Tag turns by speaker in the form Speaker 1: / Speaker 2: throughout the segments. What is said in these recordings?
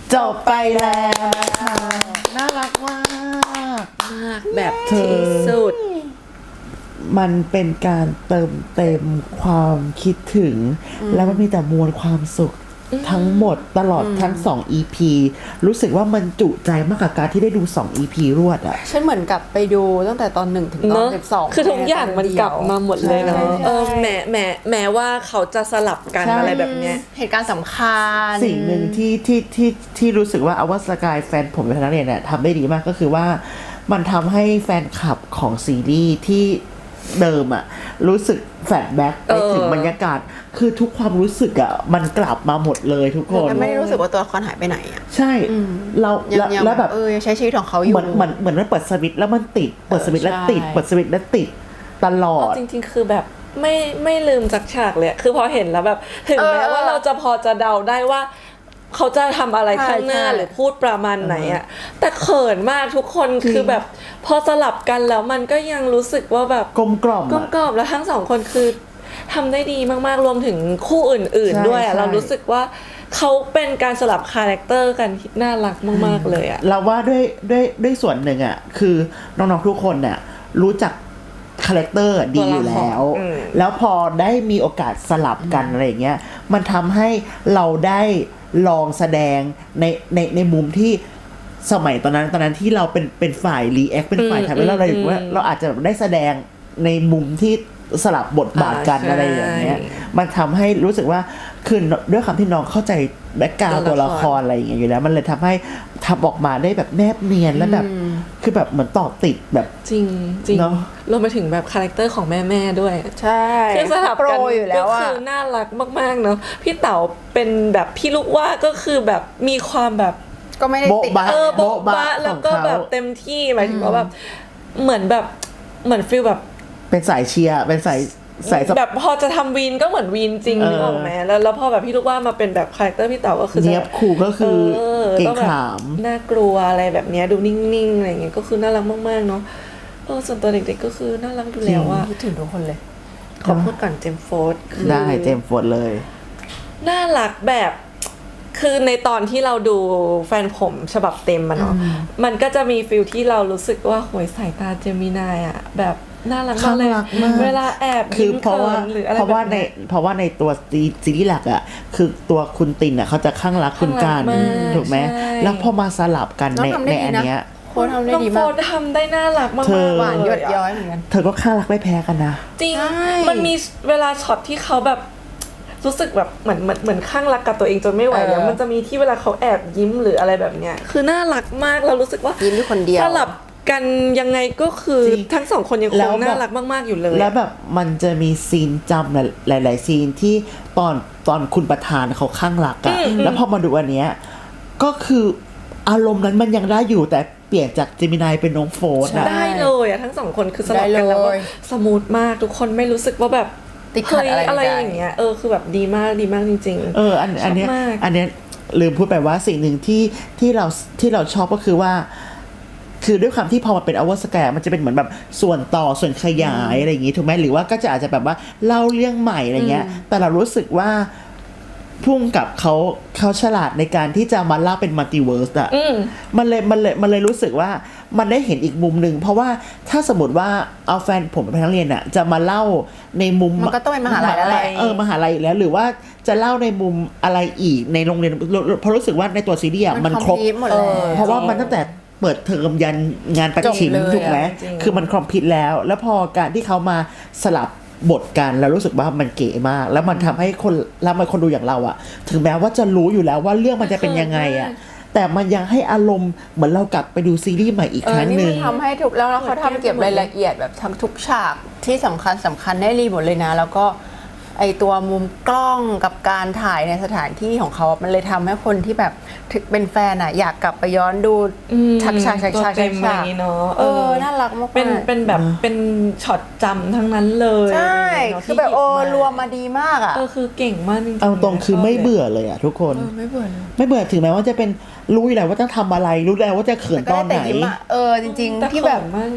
Speaker 1: จบไปแล้วนะคะน่ารักมาก
Speaker 2: แบบที่สุด
Speaker 1: มันเป็นการเติมเต็มความคิดถึงแล้วมันมีแต่มวลความสุขทั้งหมดตลอดทั้ง2 EP รู้สึกว่ามันจุใจมากกับการที่ได้ดู2 EP รวดอ่ะ
Speaker 3: ฉันเหมือนกลับไปดูตั้งแต่ตอน1ถึงตอน12
Speaker 2: คือทุกอย่างมันกลับมาหมดเลยเนาะแม้ว่าเขาจะสลับกันอะไรแบบเนี้ย
Speaker 3: เหตุการณ์สำคัญ
Speaker 1: สิ่งหนึ่งที่รู้สึกว่าอวสกายแฟนผมเป็นนักเรียนเนี่ยทำได้ดีมากก็คือว่ามันทำให้แฟนคลับของซีรีส์ที่เดิมอะรู้สึกแฟลชแบ็กไปถึงบรรยากาศคือทุกความรู้สึกอะมันกลับมาหมดเลยทุกคน
Speaker 3: ไม่ได้รู้สึกว่าตัวละครหายไปไหนอะ
Speaker 1: ใช่เราแล้วแบบ
Speaker 3: ใช้ชีวิตของเขาอยู่
Speaker 1: เหมือนมันเปิดสวิตช์แล้วมันติดเปิดสวิตช์แล้วติดเปิดสวิตช์แล้วติดตลอด
Speaker 2: จริงๆคือแบบไม่ลืมจากฉากเลยคือพอเห็นแล้วแบบถึงแม้ว่าเราจะพอจะเดาได้ว่าเขาจะทำอะไรข้างหน้าหรือพูดประมาณไหนอะแต่เขินมากทุกคนคือแบบพอสลับกันแล้วมันก็ยังรู้สึกว่าแบบ
Speaker 1: กลมกล่อม
Speaker 2: แล้วทั้งสองคนคือทำได้ดีมากๆรวมถึงคู่อื่นๆด้วยเรารู้สึกว่าเขาเป็นการสลับคาแรคเตอร์กันที่น่ารักมากๆเลยอะ
Speaker 1: เราว่าด้วยส่วนหนึ่งอะคือน้องๆทุกคนเนี่ยรู้จักคาแรคเตอร์ดีอยู่แล้วพอได้มีโอกาสสลับกันอะไรอย่างเงี้ยมันทำให้เราได้ลองแสดงในมุมที่สมัยตอนนั้นที่เราเป็นฝ่ายรีแอคเป็นฝ่ายทำให้เราเลยว่าเราอาจจะได้แสดงในมุมที่สลับบทบาทกันอะไรอย่างเงี้ยมันทำให้รู้สึกว่าคือด้วยคำที่น้องเข้าใจแบ็คกราวด์ตัวละครอะไรอย่างเงี้ยอยู่แล้วมันเลยทำให้ทำออกมาได้แบบแนบเนียนและแบบคือแบบเหมือนต่อติดแบบ
Speaker 2: จริงเนาะรวมไปถึงแบบคาแรคเตอร์ของแม่ด้วย
Speaker 3: ใช่
Speaker 2: คือสลับกันก็คือน่ารักมากๆเนาะพี่เต๋าเป็นแบบพี่ลูกว่าก็คือแบบมีความแบบ
Speaker 3: ก็ไม่ได้ติด
Speaker 2: โบ๊ะบะแล้วก็แบบเต็มที่หมายถึงว่าแบบเหมือนฟีลแบบ
Speaker 1: เป็นสายเชียร์เป็นสาย
Speaker 2: แบบพอจะทำวีนก็เหมือนวีนจริงนึกออกไหมแล้วพอแบบพี่ลูกว่ามาเป็นแบบคาแรคเตอร์พี่เต๋าก็คือ
Speaker 1: เนียบคู่ก็คือเก่งขาม
Speaker 2: น่ากลัวอะไรแบบเนี้ยดูนิ่งๆอะไรอย่างเงี้ยก็คือน่ารักมากๆเนาะส่วนตัวเด็กๆก็คือน่ารักดูแล้วว่า
Speaker 3: คิดถึงทุกคนเลย
Speaker 2: ขอพูดก่อนเจมส์โฟร์ด
Speaker 1: ได้เจมส์โฟร์ดเลย
Speaker 2: น่ารักแบบคือในตอนที่เราดูแฟนผมฉบับเต็มมันเนาะมันก็จะมีฟิลที่เรารู้สึกว่าโหยสายตาเจมินายอะแบบน่ารักมากเลยเวลาแอบ
Speaker 1: คือเพราะว่าในตัวซีรีส์หลักอ่ะคือตัวคุณตินอ่ะเขาจะข้างรักคุณการถูกไหมแล้วพอมาสลับกันในอันเนี้ย
Speaker 3: โค้ดทำได้ดีมาก
Speaker 2: ทำได้น่ารักมาก
Speaker 3: หวานหยดย้อยเหมือนกัน
Speaker 1: เธอก็ข้างรักไม่แพ้กันนะ
Speaker 2: จริงมันมีเวลาช็อตที่เขาแบบรู้สึกแบบเหมือนข้างรักกับตัวเองจนไม่ไหวแล้วมันจะมีที่เวลาเขาแอบยิ้มหรืออะไรแบบเนี้ยคือน่ารักมากเรารู้สึกว่า
Speaker 3: ยิ้มด้วยคนเดียว
Speaker 2: สลับกันยังไงก็คือทั้งสองคนยังคงน่ารักมากๆอยู่เลย
Speaker 1: แล้วแบบมันจะมีซีนจำหลายๆซีนที่ตอนคุณประธานเขาข้างรักอะแล้วพอมาดูอันเนี้ยก็คืออารมณ์นั้นมันยังได้อยู่แต่เปลี่ยนจากเจมินายเป็นน้องโฟร์อะ
Speaker 2: ได้เลยอะทั้งสองคนคือสลับกันแล้วสมูทมากทุกคนไม่รู้สึกว่าแบบ
Speaker 3: ติดขัด
Speaker 2: อะไรอย่างเงี้ยคือแบบดีมากจริง
Speaker 1: ๆอันเนี้ยลืมพูดไปว่าสิ่งหนึ่งที่เราชอบก็คือว่าคือด้วยความที่พอมันเป็นอเวอร์สแกร์มันจะเป็นเหมือนแบบส่วนต่อส่วนขยายอะไรอย่างงี้ถูกไหมหรือว่าก็จะอาจจะแบบว่าเล่าเรื่องใหม่อะไรเงี้ยแต่เรารู้สึกว่าพุ่งกับเขาฉลาดในการที่จะมาเล่าเป็นมัลติเวิร์สอ่ะมันเลยรู้สึกว่ามันได้เห็นอีกมุมนึงเพราะว่าถ้าสมมติว่าเอาแฟนผมเป็นนักเรียนอ่ะจะมาเล่าในมุม
Speaker 3: มันก็ต้องเป็นมหาลัยแล้วแหละ
Speaker 1: มหาลัยแล้วหรือว่าจะเล่าในมุมอะไรอีกในโรงเรียนเพราะรู้สึกว่าในตัวซีรีส์มันครบเพราะว่ามันตั้งแต่เปิดเทอมยันงานประชิมถูกไหมคือมันคอมพลีทแล้วพอการที่เขามาสลับบทกันแล้วรู้สึกว่ามันเก๋มากแล้วมันทำให้คนดูอย่างเราอะถึงแม้ว่าจะรู้อยู่แล้วว่าเรื่องมันจะเป็นยังไงอะแต่มันยังให้อารมณ์เหมือนเรากลับไปดูซีรีส์ใหม่อีกครั้งนึง
Speaker 3: นี่มันทำให้ถูกแล้วเขาทำเก็บรายละเอียดแบบทั้งทุกฉากที่สำคัญได้รีหมดเลยนะแล้วก็ไอตัวมุมกล้องกับการถ่ายในสถานที่ของเขามันเลยทำให้คนที่แบบเป็นแฟนอ่ะอยากกลับไปย้อนดูฉาก
Speaker 2: เนาะ
Speaker 3: น่ารักมาก
Speaker 2: เป็นแบบเป็นช็อตจำทั้งนั้นเลย
Speaker 3: ใช่คือแบบรวมมาดีมากอ่ะ
Speaker 2: คือเก่งมากจริงๆ
Speaker 1: เอาตรงคือไม่เบื่อเลยอ่ะทุกคน
Speaker 3: ไม่เบื่อ
Speaker 1: ถึงแม้ว่าจะเป็นรู้อยู่แล้วว่าต้องทำอะไรรู้แล้วว่าจะเขินตอนไหน
Speaker 3: จริงๆที่แบบ
Speaker 2: มากนะ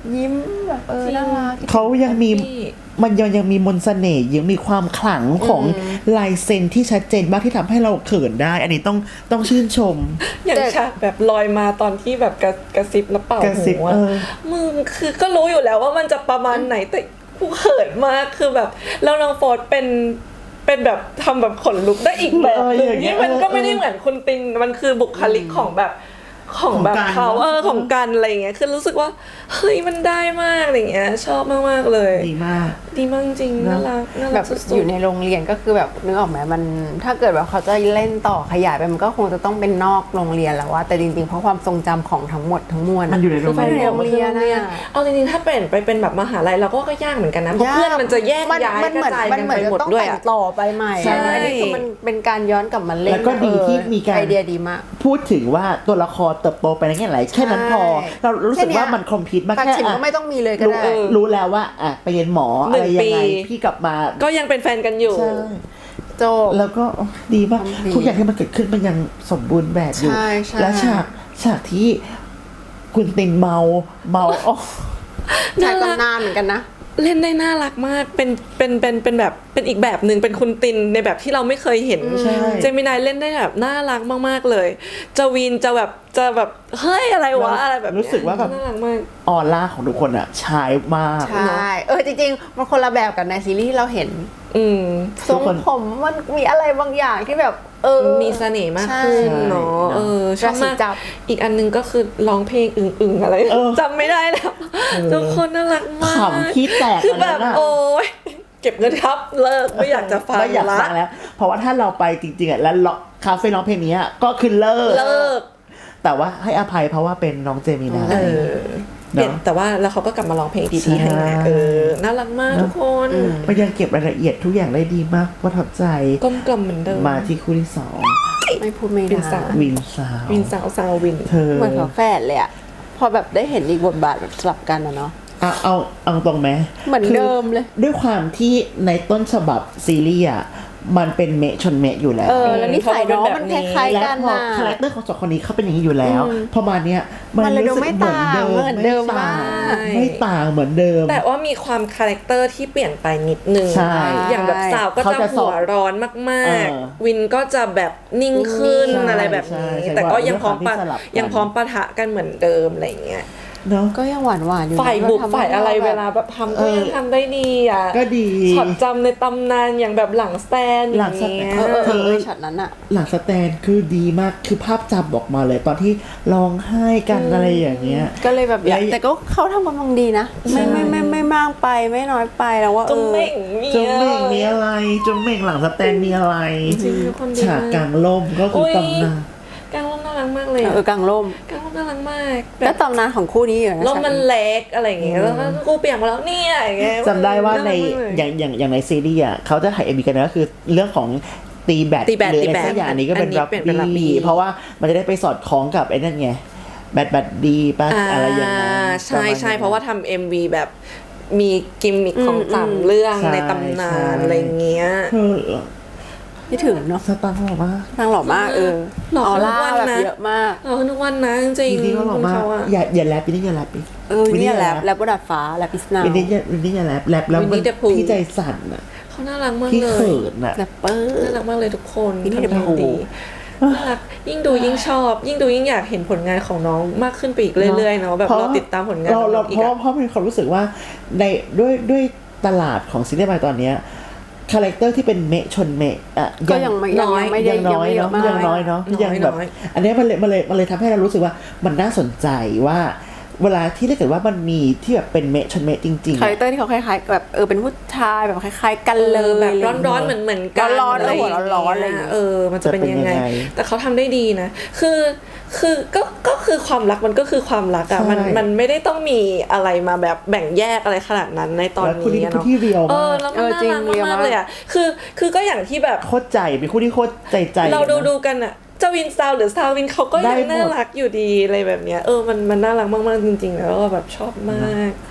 Speaker 3: ยิ้มแบบน่ารัก
Speaker 1: เขายังมีมันยังมีมนต์เสน่ห์ยังมีความขลังของลายเซ็นที่ชัดเจนมากที่ทำให้เราเขินได้ อันนี้ต้องชื่นชม
Speaker 2: อย่างฉากแบบลอยมาตอนที่แบบกระซิบแล้วเป่าก
Speaker 1: ระซิบ
Speaker 2: หูอะมึงคือก็รู้อยู่แล้วว่ามันจะประมาณไหนแต่กูเขินมากคือแบบแล้วน้องโฟร์ธเป็นแบบทำแบบขนลุกได้อีกแบบหนึงที่มันก็ไม่ได้เหมือนคุณตินมันคือบุคลิกของแบบเขาของกันอะไรอย่างเงี้ยคือรู้สึกว่าเฮ้ยมันได้มากอะไรเงี้ยชอบมากๆเลย
Speaker 1: ดีมาก
Speaker 2: ดีมากจริงน่ารัก
Speaker 3: แบบ
Speaker 2: สุดๆ
Speaker 3: อยู่ในโรงเรียนก็คือแบบนึกออกไหมมันถ้าเกิดแบบเขาจะเล่นต่อขยายไปมันก็คงจะต้องเป็นนอกโรงเรียนแล้วว่าแต่จริงๆเพราะความทรงจำของทั้งหมดทั้งมวล
Speaker 1: มันอยู่ในโรงเรียน
Speaker 3: มันอยู่ในโรงเรียนนะ
Speaker 2: เอาจริงๆถ้าเป็นแบบมหาลัยเราก็ยากเหมือนกันนะเพราะเพื่อนมันจะแยกย้ายกระจายกันไปหมดด้วย
Speaker 3: มันเหมือนจะต้องแต่งต่อไปใหม่
Speaker 1: ใช่
Speaker 3: อันนี้คือมันเป็นการย้อนกลับมาเล่น
Speaker 1: แล้วก็ดีที่มีการ
Speaker 3: ไอเดียดีมาก
Speaker 1: พูดถึงว่าตัวละครเติบโตไปในแง่ไหนแค่นั้นพอ เรารู้สึกว่ามันคอมพิวต์มาก
Speaker 3: ปัก
Speaker 1: แค่
Speaker 3: ฉิมก็ไม่ต้องมีเลยก็
Speaker 1: รู้
Speaker 3: ได้
Speaker 1: รู้แล้วว่าไปเรียนหมออะไรยังไง
Speaker 2: 1 ปี
Speaker 1: พี่กลับมา
Speaker 2: ก็ยังเป็นแฟนกันอยู่
Speaker 1: ใช่
Speaker 3: โจบ
Speaker 1: แล้วก็ดีมาก
Speaker 3: ทำดี
Speaker 1: ทุกอย่างที่มันเกิดขึ้นมันยังสมบูรณ์แบบอยู่
Speaker 3: ใช่ใช่
Speaker 1: และฉากที่คุณตินเมาอ๋อ
Speaker 3: ชายตำนานเหมือนกันนะ
Speaker 2: เล่นได้น่ารักมากเป็นแบบเป็นอีกแบบหนึ่งเป็นคุณตินในแบบที่เราไม่เคยเห็น
Speaker 1: ใช่
Speaker 2: เจมินายเล่นได้แบบน่ารักมากๆเลยจะวีนจะแบบเฮ้ยอะไรวะอะไรแบบเนี้ย
Speaker 1: รู้สึกว่าแบบ
Speaker 2: น่ารักมาก
Speaker 1: ออร่าของทุกคนอะชายมาก
Speaker 3: ใช่จริงๆมันคนละแบบกับในซีรีส์ที่เราเห็น
Speaker 2: อืม
Speaker 3: ทรงผมมันมีอะไรบางอย่างที่แบบ
Speaker 2: มีเสน่ห์มาก
Speaker 3: ใช่
Speaker 2: ขึ้นเนาะชอบมาก
Speaker 3: ราศีจับ
Speaker 2: อีกอันนึงก็คือร้องเพลงอึ่งๆอะไรจำไม่ได้แล้วทุกคนน่ารักมาก
Speaker 1: ขำขี้แตก
Speaker 2: คือแบบ
Speaker 1: อันนั้นอะ
Speaker 2: โอ้ยเก็บเงินครับเลิกไม่อยากจะฟัง
Speaker 1: ไม่อยาก
Speaker 2: ละ
Speaker 1: ฟังแล้ว เพราะว่าถ้าเราไปจริงๆอะแล้วคาเฟ่ร้องเพลงนี้อะก็คือเลิก แต่ว่าให้อภัยเพราะว่าเป็นน้องเจมินา
Speaker 2: เออเปลี่ยน
Speaker 1: เนาะ
Speaker 2: แต่ว่าแล้วเขาก็กลับมาร้องเพลงดีๆให้นะ
Speaker 1: ใช่
Speaker 2: น่ารักมากทุกคน
Speaker 1: มันยังเก็บรายละเอียดทุกอย่างได้ดีมากประทับใจ
Speaker 2: กลมกล่อมเหมือนเดิม
Speaker 1: มาที่คู่ที่สอง
Speaker 3: ไม่พูดไม่
Speaker 2: วิ
Speaker 3: ได้
Speaker 2: นสาว
Speaker 1: วินสาว
Speaker 2: วินสาววิน
Speaker 1: เธอ
Speaker 3: เหมือนกับแฝดเลยอะพอแบบได้เห็นอีกบทบาทแบบสลับกันอะเนาะ
Speaker 1: เอาตรงไหม
Speaker 3: เหมือนเดิมเลย
Speaker 1: คือด้วยความที่ในต้นฉบับซีรีส์อะมันเป็นเมะชนเมะอยู่แล้ว
Speaker 3: แล้วนิสัยน้องมันคล้ายๆ
Speaker 1: และ
Speaker 3: กัน
Speaker 1: พอ
Speaker 3: นะ
Speaker 1: คาแรคเตอร์ของสองคนนี้เขาเป็นอย่างนี้อยู่แล้วพอมาเนี้ยมัน
Speaker 3: มันเลย
Speaker 1: รู้สึก
Speaker 3: ดูไม่
Speaker 1: เหมือนเดิม
Speaker 3: ต่างเหมือนเดิม
Speaker 1: ไต่าง
Speaker 3: มาก
Speaker 1: ไม่ต่างเหมือนเดิม
Speaker 2: แต่ว่ามีความคาแรคเตอร์ที่เปลี่ยนไปนิดนึง
Speaker 1: ใช่
Speaker 2: อย่างแบบสาวก็
Speaker 1: เขา
Speaker 2: จะ
Speaker 1: จะส
Speaker 2: หั
Speaker 1: อบ
Speaker 2: วร้อนมาก
Speaker 1: เออ
Speaker 2: ๆ วินก็จะแบบนิ่งขึ้น
Speaker 1: ใช่
Speaker 2: อะไรแบบนี้
Speaker 1: ใช่
Speaker 2: แต่ก็ยังพร้อม
Speaker 1: ด้วยความที่สลับกัน
Speaker 2: ยังพร้อมปะทะกันเหมือนเดิมอะไรอย่างเงี้ย
Speaker 1: เนาะ
Speaker 3: ก็ยังหวานอยู่นะ
Speaker 2: ฝ่ายบุก
Speaker 3: ทำให้
Speaker 2: ฝ่ายอะไร
Speaker 3: แบบ
Speaker 2: เวลาแบบทำก็ยังทำได้ดีอ่ะ
Speaker 1: ก็ดี
Speaker 2: ช็อตจำในตำนานอย่างแบบหลังสแตนอ
Speaker 1: หลั
Speaker 2: ย่าง ง
Speaker 1: สแตน
Speaker 2: เงี้ย
Speaker 3: ช็อตนั้นอะ
Speaker 1: หลังสแตนคือดีมากคือภาพจำออกมาเลยตอนที่ร้องไห้กันอะไรอย่างเงี้ย
Speaker 3: ก็เลยแบบอยาก
Speaker 1: และ
Speaker 3: แต่ก็เขาทำกำลังดีนะ ไม่มากไปไม่น้อยไปแล้วว่า
Speaker 2: จงเม่งมี
Speaker 1: จงเม่งมีอะไรจงเม่งหลังสแตนมีอะไร
Speaker 2: จริงทุกคนดี
Speaker 1: ฉากกลางล่มก็คือตำนาน
Speaker 2: กลางร่มน่ารักมากเลย
Speaker 3: กลางร่ม
Speaker 2: กลางร่มน่ารักมากแบ
Speaker 3: ก็
Speaker 2: บ
Speaker 3: ตำนานของคู่นี้อยู่นะ
Speaker 2: ร่มมันเล็กอะไรอย่างเงี้ยแล้วก็กูเปียกมาแล้วเนี่ยอย่างเงี้ย
Speaker 1: จำได้ว่าใน
Speaker 2: รักมกเลย
Speaker 1: อย่างในซีรีส์อ่ะเขาจะถ่ายเอ็มบีกันนะก็คือเรื่องของตีแบด
Speaker 2: ตีแบด
Speaker 1: หรือ
Speaker 2: ตี
Speaker 1: อะไร
Speaker 2: แบด
Speaker 1: สักอย่างอันนี้ก็เป็น
Speaker 2: อันนี้
Speaker 1: รับ
Speaker 2: เป็นรักบี้
Speaker 1: บี้เพราะว่ามันจะได้ไปสอดคล้องกับไอ้นั่นไงแบดดีป่ะอะไรอย่างเงี้ย
Speaker 2: ใช่ใช่เพราะว่าทำ MV แบบมีกิมมิคของสามเรื่อง
Speaker 1: ใช่
Speaker 2: ในตำนาน
Speaker 1: ใช่
Speaker 2: อะไรเงี้ย
Speaker 1: เออ
Speaker 3: ที่ถึงเนาะ
Speaker 1: สตาร์หล่อมาก
Speaker 3: นางหล่อมาก
Speaker 2: หล่อ
Speaker 3: ออร่า
Speaker 2: ทุกวัน
Speaker 3: แบบ
Speaker 2: นะ
Speaker 3: เยอะมาก
Speaker 2: เราทุกวันนะจริง
Speaker 1: วินนี่ก็หล่อมาก
Speaker 2: คุณเขาอะ
Speaker 1: อย่าแรปวินนี่อย่าแรปอีก
Speaker 3: เนี่ยแล้วก็ดัดฟ้าแลบพิสนา
Speaker 1: วินนี่อย่าแรปแล้วมันพี่ใจสั่นอ่ะ
Speaker 2: เขาน่ารักมาก
Speaker 1: พี่
Speaker 2: เล
Speaker 1: เขิ
Speaker 2: ย
Speaker 1: นอ่ะ
Speaker 3: แรปเปอร์
Speaker 2: น่ารักมากเลยทุกคน
Speaker 3: วินนี่
Speaker 2: ทำได้
Speaker 3: เดอะพู
Speaker 2: ดีน่ารักยิ่งดูยิ่งชอบ ยิ่งดูยิ่งอยากเห็นผลงานของน้องมากขึ้นไปอีกเรื่อยๆเนาะแบบเราติดตามผลงาน
Speaker 1: เรา
Speaker 2: น้องอี
Speaker 1: เพ
Speaker 2: ก
Speaker 1: ราะ
Speaker 2: อะ
Speaker 1: เพราะมีความรู้สึกว่าในด้วยตลาดของซีรีส์วายตอนเนี้ยคาแรคเตอร์ที่เป็นเมะชนเมะอ่ะ
Speaker 3: ก็ยังไม่ได้
Speaker 1: ยังน้อยเนาะ
Speaker 3: มาก
Speaker 1: ยังน้อยเนาะ
Speaker 2: น้อย
Speaker 1: ยังแบบ
Speaker 2: น้อย
Speaker 1: อันเนี้ยมันเลยทำให้เรารู้สึกว่ามันน่าสนใจว่า เวลาที่ถ้าเกิดว่ามันมีที่แบบเป็นเมะชนเมะจริงๆ
Speaker 3: คาแรคเตอร์ที่เขาคล้ายๆแบบเป็นผู้ชายแบบคล้ายๆกันเลย
Speaker 2: แบบร้อนๆเหมือนกัน
Speaker 3: ร้อนๆ
Speaker 2: อะไรอย่าง
Speaker 3: หัว
Speaker 2: เงี้ย
Speaker 3: ร้อนๆอะไรอย่างเงี้ย
Speaker 2: มันจะเป็นยังไง
Speaker 1: จะเป็นยังไง
Speaker 2: แต่เขาทำได้ดีนะ คือก็คือความรักมันก็คือความรักอะ
Speaker 1: ใช่
Speaker 2: มันไม่ได้ต้องมีอะไรมาแบบแบ่งแยกอะไรขนาดนั้นในตอน
Speaker 1: แล้วคู่นี้
Speaker 2: นี้
Speaker 1: เป็น
Speaker 2: เนาะ
Speaker 1: คู่ที่เรียวมาก
Speaker 2: แล้วมันน่า
Speaker 3: จริง
Speaker 2: รัก
Speaker 3: เรียวาก ก
Speaker 2: มามเลยอะคือก็อย่างที่แบบ
Speaker 1: โคตรใจเป็นคู่ที่โคตรใจ
Speaker 2: เราดูกันอะเจ้าวินซาวหรือซาววินเขาก็
Speaker 1: ได้
Speaker 2: ยัง
Speaker 1: หมด
Speaker 2: น่ารักอยู่ดีอะไรแบบเนี้ยมันน่ารักมากๆจริงๆแล้วก็แบบชอบมาก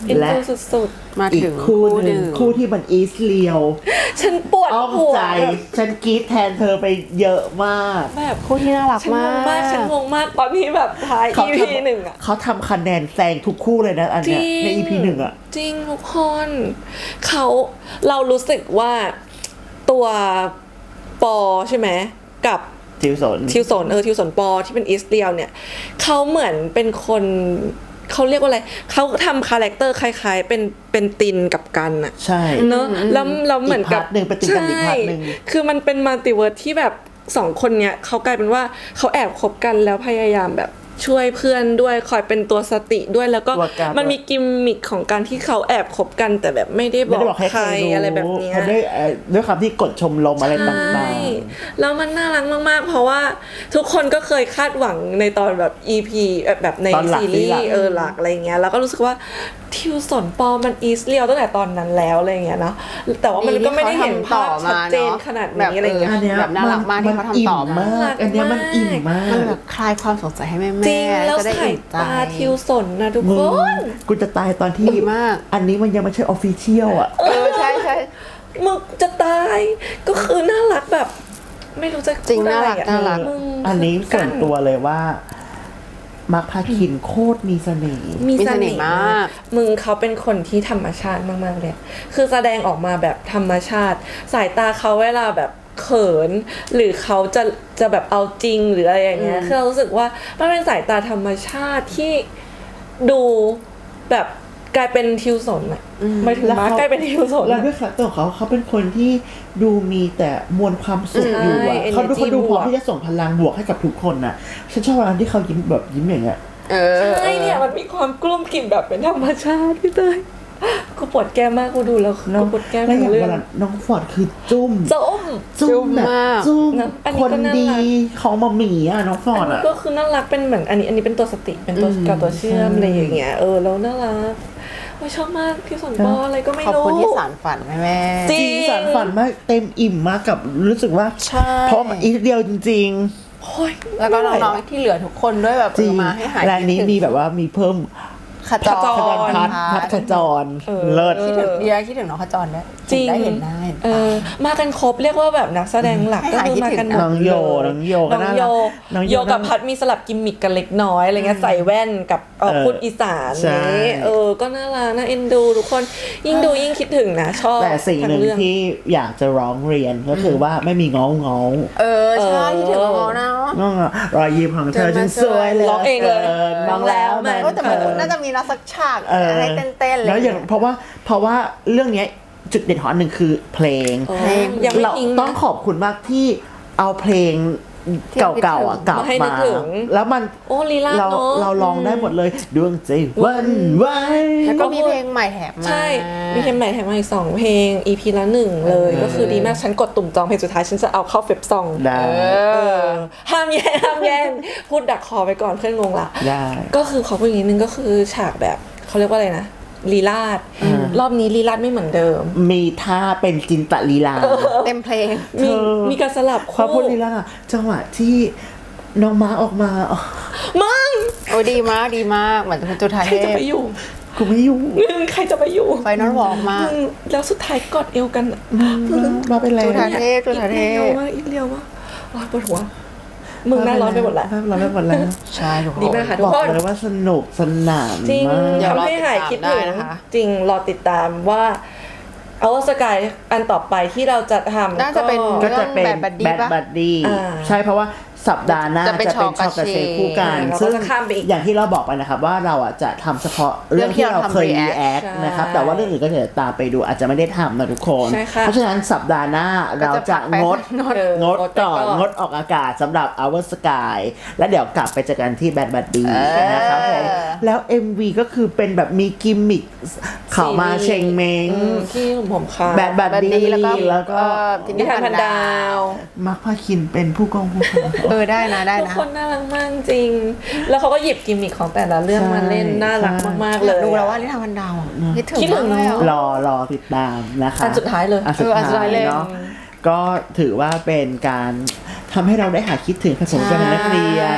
Speaker 2: เอ็น
Speaker 1: และ
Speaker 2: ดูสุด
Speaker 3: มา
Speaker 1: อี
Speaker 3: ถึ
Speaker 1: ก
Speaker 3: ง
Speaker 1: คู่ห
Speaker 3: ห
Speaker 1: นึ่ง
Speaker 3: นึ่ง
Speaker 1: คู่ที่มันอีสเลียว
Speaker 2: ๆ ฉันปวด
Speaker 1: อ้อม
Speaker 2: หัว
Speaker 1: ใจ ฉันกรี๊ดแทนเธอไปเยอะมาก
Speaker 2: แบบ
Speaker 3: คู่ที่น่ารัก
Speaker 2: ฉันง
Speaker 3: มาง
Speaker 2: มาก ฉัน
Speaker 3: ก
Speaker 2: งงมากตอนที่แบบท้าย EP หนึ่งอะ
Speaker 1: เขาทำคะแนนแซงทุกคู่เลยนะอัน
Speaker 2: จ
Speaker 1: เนี้
Speaker 2: ริ
Speaker 1: ย
Speaker 2: ง
Speaker 1: ใน EP หนึ่งอะ
Speaker 2: จริงทุกคนเรารู้สึกว่าตัวปอใช่ไหมกับ
Speaker 1: ทิวสน
Speaker 2: ทิวสนปอที่เป็นอิสเรียลเนี่ยเขาเหมือนเป็นคนเขาเรียกว่าอะไรเขาทำคาแรคเตอร์คล้ายๆเป็นตินกับกันอะ
Speaker 1: ใช่
Speaker 2: เนอะแล้วเหมือนกับ
Speaker 1: อีกพาร์ทหนึ่งเป็นตินกันอีกพาร์ทหนึ่ง
Speaker 2: ใช่คือมันเป็นมัลติเวิร์สที่แบบสองคนเนี้ยเขากลายเป็นว่าเขาแอบคบกันแล้วพยายามแบบช่วยเพื่อนด้วยคอยเป็นตัวสติด้วยแล้วก็
Speaker 1: ตัวการ
Speaker 2: มันมีกิมมิคของการที่เขาแอบคบกันแต่แบบไม่ได้บ
Speaker 1: ไม่
Speaker 2: อ
Speaker 1: ได้
Speaker 2: ก
Speaker 1: บอกให้
Speaker 2: ใคร
Speaker 1: รู้
Speaker 2: อะไรแบบเนี้ย
Speaker 1: เพราะด้วยความที่กดชมรมอะไรต่าง
Speaker 2: ใช่แล้วมันน่ารักมากๆ เพราะว่าทุกคนก็เคยคาดหวังในตอนแบบ EP แบบใน
Speaker 1: ตอนหลัก
Speaker 2: ซีรีส์
Speaker 1: หลัก
Speaker 2: หลักอะไรเงี้ยแล้วก็รู้สึกว่าทิวสนปอมันอีสเรียวตั้งแต่ตอนนั้นแล้วอะไรเงี้ยเนาะแต่ว่ามันก็ไม่ได้เห็นภาพชัดเจนขนาดนี้อะไร
Speaker 1: ๆ
Speaker 2: เงี้ย
Speaker 1: อันเนี้ย
Speaker 3: แบบน่ารักมากที่เขาทำต่อมา
Speaker 1: อันเนี้ยมันอิ่มมาก
Speaker 3: มันแบบคลายความสงสัยให้แม่
Speaker 2: จริงแล้ว
Speaker 3: จะได้
Speaker 2: สาย
Speaker 3: อิ่มใจ
Speaker 2: ตาทิวสนนะทุก
Speaker 1: มึ
Speaker 2: ค
Speaker 1: ง
Speaker 2: น
Speaker 1: กูจะตายตอนที่
Speaker 3: ดีมาก
Speaker 1: อันนี้มันยังไม่ใช่ออฟฟิเชียลอ่ะ
Speaker 3: ใช่ใช่
Speaker 2: มึงจะตายก็คือน่ารักแบบ ไม่รู้จะ
Speaker 3: จริง
Speaker 2: พูดอะไอะ
Speaker 3: น่ารัก
Speaker 2: มึง
Speaker 1: อันนี้ส่วนตัวเลยว่ามาร์คพาคินโคตรมีเสน่ห์
Speaker 2: มี
Speaker 3: มี
Speaker 2: เส
Speaker 3: เสน่
Speaker 2: น่
Speaker 3: ห์
Speaker 2: ห์
Speaker 3: มาก
Speaker 2: มึงเขาเป็นคนที่ธรรมชาติมากๆเลย คือแสดงออกมาแบบธรรมชาติ สายตาเขาเวลาแบบเขิน หรือเขาจะแบบเอาจริงหรืออะไรอย่างเงี้ย คือเรารู้สึกว่ามันเป็นสายตาธรรมชาติที่ดูแบบกลายเป็นทิวสนอะหมายถึงมาร์คกลายเป็นทิวสน
Speaker 1: แล้ว
Speaker 2: อะ
Speaker 1: ด้วยคาแรคเตอร์ของเขาเป็นคนที่ดูมีแต่มวลความสุขอยู่อ่ะ
Speaker 2: ใช่
Speaker 1: เขาดู
Speaker 2: energy
Speaker 1: พร้อม
Speaker 2: บวก
Speaker 1: ที่จะส่งพลังบวกให้กับทุกคนน่ะ ฉันชอบเวลาที่เขายิ้มแบบยิ้มอย่างเงี้ย
Speaker 2: ใช่เนี่ยมันมีความกลุ้มกลิ่มแบบเป็นธรรมชาติพี่เตยกูปวดแก้มมากกูดูแล้วกูปวดแก้ม
Speaker 1: แล้วอ
Speaker 2: ทั้
Speaker 1: ย่าง ง
Speaker 2: เรื่
Speaker 1: เว
Speaker 2: อง
Speaker 1: ลาน้องฟอร์ดคือจุ้ม
Speaker 2: ส้ม
Speaker 1: จุ้มแบบ
Speaker 3: มาก
Speaker 1: จุ้ม
Speaker 2: นะอันนี้
Speaker 1: คน
Speaker 2: ก็น่ารัก
Speaker 1: ดีของมาหมีอ่ะน้องฟอร์ด
Speaker 2: อันนี้
Speaker 1: อ่ะ
Speaker 2: ก็คือน่ารักเป็นเหมือนอันนี้เป็นตัวสติเป็นตัวกับตัวเชื่อม
Speaker 1: ใช่
Speaker 2: อะไรอย่างเงี้ยแล้วน่ารักโอ้ยชอบมากพี่สนปออะไรก็ไม่
Speaker 3: ขอบ
Speaker 2: รู้
Speaker 3: คุณที่สารฝันแม่
Speaker 2: จริ
Speaker 1: จริงสารฝันมากเต็มอิ่มมากกับรู้สึกว่า
Speaker 3: ใช่
Speaker 1: เพราะมันอีกเดียวจริง
Speaker 2: โอ้ย
Speaker 3: แล้วก็น้องๆที่เหลือทุกคนด้วยแบบ
Speaker 1: ๆ จริง
Speaker 3: มาให้หาย
Speaker 1: และอันนี้
Speaker 3: คิดถึง
Speaker 1: มีแบบว่ามีเพิ่ม
Speaker 3: ขจร
Speaker 1: ขจรพัฒขจรเลิศ
Speaker 3: คิดถึงดีคิดถึงน้องขจรด้วย
Speaker 2: จริง
Speaker 3: ได้เห็นหน้าเห็นตา
Speaker 2: มากันครบเรียกว่าแบบนักแสดงหลักก็คือมากันหมด
Speaker 1: น้องโยน้องโยก็
Speaker 2: น้อง
Speaker 1: น่า
Speaker 2: โย
Speaker 1: รักน้องโย
Speaker 2: โยกับพัดมีสลับกิมมิกกันเล็กน้อยอะไรเงี้ยใส่แว่นกับพูดอีสาน
Speaker 1: ใช่
Speaker 2: นี้ก็น่ารักน่าเอ็นดูทุกคนยิ่งดูยิ่งคิดถึงนะชอบ
Speaker 1: แต่สิ่งหนึ่ง
Speaker 2: ทั้เรื่อง
Speaker 1: ที่อยากจะร้องเรียนก็คือว่าไม่มีง้อ
Speaker 3: ใช่คิดถึงน้องๆนะ
Speaker 1: ง้อรอยยิ้มของเธอฉันสวยเลย
Speaker 2: ร้องเองเลย
Speaker 1: มองแล้วมัน
Speaker 3: แต่มันน่าจะมีนักสักฉากให้เต้นๆเลย
Speaker 1: แล้วอย่างเพราะว่าเรื่องเนี้ยจุดเด่นของอันหนึ่งคือเพลง
Speaker 3: เพลง
Speaker 2: ยังไม่
Speaker 1: เรา
Speaker 2: ทิ้ง
Speaker 1: ต้อง
Speaker 2: นะ
Speaker 1: ขอบคุณมากที่เอาเพลงเก่าๆอ่ะกลับ
Speaker 2: มาให้นึ
Speaker 1: มาก
Speaker 2: ถึง
Speaker 1: แล้วมัน
Speaker 2: โอ้ลีลา
Speaker 1: เรา
Speaker 2: เนอะ
Speaker 1: เราลองได้หมดเลยดวงใจหวันไหว
Speaker 3: แล้วก็มีเพลงใหม่แถมมา
Speaker 2: ใช่มีเพลงใหม่แถมมาอีก2เพลง EP ละ1เลยก็คือดีมากฉันกดตุ่มจองเพลงสุดท้ายฉันจะเอาเข้าเฟบซอง
Speaker 1: ได้
Speaker 2: ห้ามแย่งพูดดักคอไปก่อนเพื่อนงงละ
Speaker 1: ได้
Speaker 2: ก็คือขอพูดอย่างนิดนึงก็คือฉากแบบเขาเรียกว่าอะไรนะลีลาดรอบนี้ลีลาดไม่เหมือนเดิม
Speaker 1: มีท่าเป็นจินตลีลา
Speaker 3: เต็มเพลง
Speaker 2: มี
Speaker 1: เธอ
Speaker 2: มีการสลับ
Speaker 1: พอพู
Speaker 2: คู่
Speaker 1: ดลีลาจังหวะที่น้องม้าออกมาอ๋อ
Speaker 2: มึง
Speaker 3: โอ้ดีมากดีมากเหมือนคุณจุธา
Speaker 2: ใค
Speaker 3: เท
Speaker 2: รจะ
Speaker 3: พ
Speaker 2: ไปอยู่
Speaker 1: กูไม่อยู่
Speaker 2: มึงใครจะไปอยู่
Speaker 3: ไฟนอลวอล์กมาก
Speaker 2: มึงแล้วสุดท้ายกอดเอวกันอะ
Speaker 1: มาเป็นไร
Speaker 3: จุธาเทพจุธาเท
Speaker 2: อีก
Speaker 3: พ
Speaker 2: เร็วมากอีกเร็วมากโอ๊ยปวดหัวมึงหน่าร้อนไปหมดละ
Speaker 1: ร้อนไปหมดแล้ว
Speaker 3: ใช่ถูก
Speaker 2: ดีมากค่ะ ทุ
Speaker 1: บอก
Speaker 2: คน
Speaker 1: เลยว่าสนุกสนาน
Speaker 2: จริง
Speaker 1: มาก
Speaker 3: เดี๋ยวรอ
Speaker 2: ทำให้หายคิดถึง
Speaker 3: ติดตามได้นะคะ
Speaker 2: จริงรอติดตามว่าเอาสกายอันต่อไปที่เราจะทำ
Speaker 3: น่าจะเป็น
Speaker 1: ก็จะเป็น
Speaker 3: เรื่อง Bad Buddy
Speaker 1: แบด
Speaker 3: ปะ
Speaker 1: บัดดี้
Speaker 2: อ่า
Speaker 1: ใช่เพราะว่าสัปดาห์หน้า
Speaker 3: จะ
Speaker 1: จะ
Speaker 3: เป็
Speaker 1: เป็น น
Speaker 3: ช็
Speaker 1: ช็
Speaker 3: อ
Speaker 1: อก ก
Speaker 3: กั
Speaker 1: กั
Speaker 3: บบ เช
Speaker 1: เชฟคู่กัน
Speaker 2: เราก็
Speaker 1: ซึ่ง
Speaker 2: จะข้ามไปอีก
Speaker 1: อย่างที่เราบอกไปนะครับว่าเราอ่ะจะทำเฉพาะเรื่องที่เราเคย
Speaker 3: react
Speaker 1: รีแอค
Speaker 2: ใช่
Speaker 1: นะครับแต่ว่าเรื่องอื่นก็จะตามไปดูอาจจะไม่ได้ทำนะทุกคน
Speaker 2: ใช่ค่ะ
Speaker 1: เพราะฉะนั้นสัปดาห์หน้าเราจะงด งดก่อนงดออกอากาศสำหรับ Our Sky แล้วเดี๋ยวกลับไปเจอกันที่ Bad Buddy นะครับผมแล้ว MV ก็คือเป็นแบบมีกิมมิคเขามาเชงเมง
Speaker 2: ที่ผมค่ะ
Speaker 1: Bad Buddy แล้วก็
Speaker 2: นิทานพันดาว
Speaker 1: มักพาคินเป็นผู้กองผู้กอง
Speaker 3: ได้นะได้
Speaker 2: ทุก
Speaker 3: นะ
Speaker 2: คนน่ารักมากจริง แล้วเขาก็หยิบกิมมิคของแต่ละเรื่อง
Speaker 1: ใช่
Speaker 2: มาเล่นน่ารักมากๆเลย
Speaker 3: ดูแล้วว่านิทานพันดาวคิดถึง
Speaker 2: คิดถึง
Speaker 3: มากเลย
Speaker 2: เนอะ
Speaker 3: อะ
Speaker 1: รอติดตามนะคะ
Speaker 2: อันสุดท้ายเลย
Speaker 1: อันสุด
Speaker 3: อันสุด
Speaker 1: ท้า
Speaker 3: ท้าย ยเลย
Speaker 1: เนาะก็ถือว่าเป็นการทำให้เราได้หาคิดถึงผสมกันเป็นนักเรียน
Speaker 3: ใช่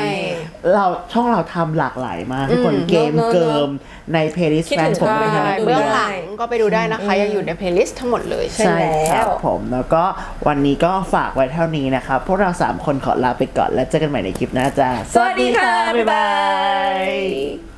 Speaker 1: ช่องเราทำหลากหลายมากทุกคนเกมเกิมในเพลย์ลิสต์
Speaker 2: คิด
Speaker 1: แฟ
Speaker 2: ถึ
Speaker 1: น
Speaker 2: ง
Speaker 1: ผม
Speaker 2: ใช่
Speaker 1: นะ
Speaker 3: เบื้องหลังก็ไปดูได้นะคะ ยังอยู่ในเพลย์ลิสต์ทั้งหมดเลย
Speaker 2: ใช่
Speaker 1: ครับผมแล้วก็วันนี้ก็ฝากไว้เท่านี้นะครับ พวกเรา 3 คนขอลาไปก่อนแล้วเจอกันใหม่ในคลิปหน้าจ้า
Speaker 2: สวัสดีค่ะ บ๊ายบาย